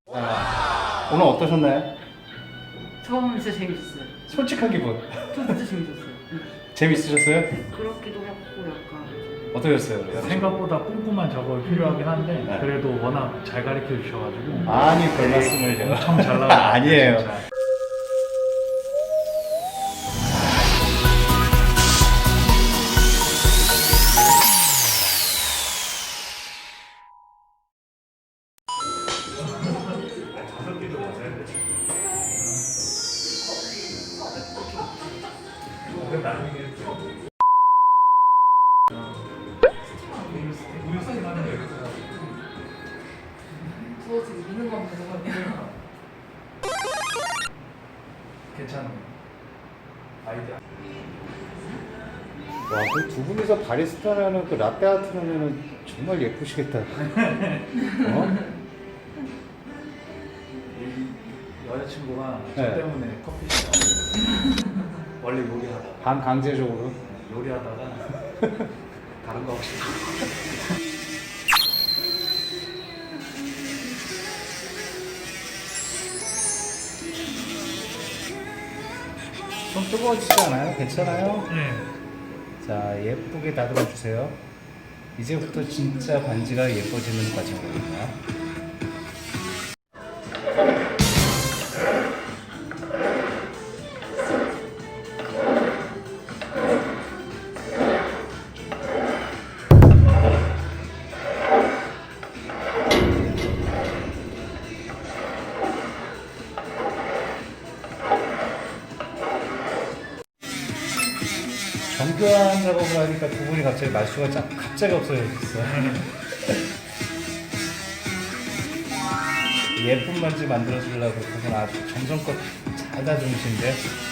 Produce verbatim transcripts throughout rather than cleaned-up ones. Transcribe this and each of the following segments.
아, 오늘 어떠셨나요? 처음은 진짜 재밌었어요. 솔직한 기분. 저 진짜 재밌었어요. 응. 재밌으셨어요? 그렇기도 하고 약간 어떠셨어요? 생각보다 꼼꼼한 작업이 필요하긴 한데 네. 그래도 워낙 잘 가르쳐 주셔가지고 아니 별 말씀을요. 엄청 잘 나와요. 아니에요. 진짜. 저 지금 미는 거 보거든요. 괜찮아요. 아이디어. 와, 그 두 분이서 바리스타라는 그 라떼 아트 하면은 정말 예쁘시겠다. 어? 이 여자친구가 저 네. 때문에 커피숍 원래 요리하다가 반강제적으로. 요리하다가 다른 거 하고 싶다. 좀 뜨거워지지 않아요? 괜찮아요? 네. 자, 예쁘게 다듬어 주세요. 이제부터 진짜 반지가 예뻐지는 과정입니다. 정교한 작업을 하니까 두 분이 갑자기 말수가 짜, 갑자기 없어졌어요. 예쁜 반지 만들어 주려고 두 분 아주 정성껏 잘 다듬으신데.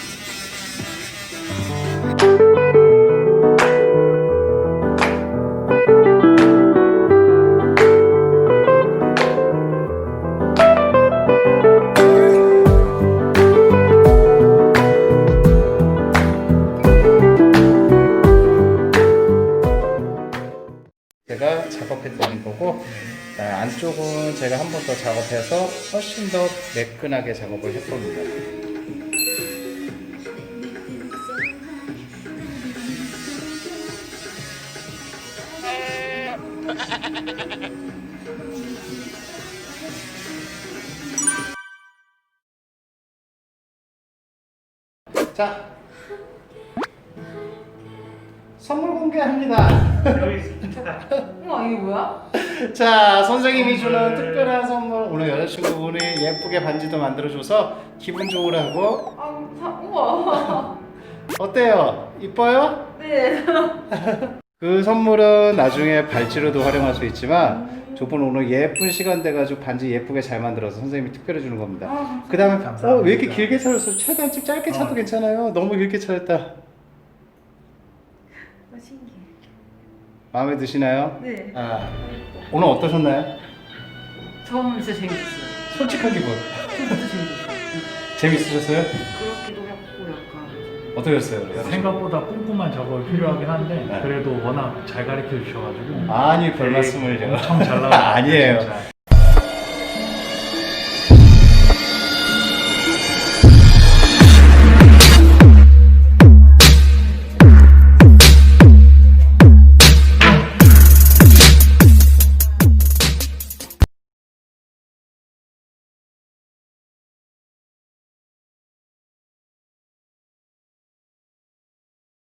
제가 작업해 드린 거고, 자, 안쪽은 제가 한 번 더 작업해서 훨씬 더 매끈하게 작업을 할 겁니다. 자, 선물 공개합니다. 우와 이게 뭐야? 자, 선생님이 주는 특별한 선물. 오늘 여자친구분이 예쁘게 반지도 만들어줘서 기분 좋으라 하고. 아 사, 우와. 어때요? 이뻐요? 네. 그 선물은 나중에 발찌로도 활용할 수 있지만 두 분 오늘 예쁜 시간 돼가지고 반지 예쁘게 잘 만들어서 선생님이 특별히 주는 겁니다. 아, 그 다음에 감사합니다. 어, 왜 이렇게 길게 차렸어? 최대한 좀 짧게 차도 어. 괜찮아요. 너무 길게 차렸다. 아, 신기해. 마음에 드시나요? 네. 아, 오늘 어떠셨나요? 처음은 진짜 재밌었어요. 솔직한 기분. 저 진짜 재밌었어요. 응. 재밌으셨어요? 그렇기도 하고 약간 어떠셨어요? 생각보다 꼼꼼한 작업이 필요하긴 한데 네. 그래도 워낙 잘 가르쳐 주셔가지고 아니 별 말씀을요. 엄청 잘 나와요. 아니에요. 진짜.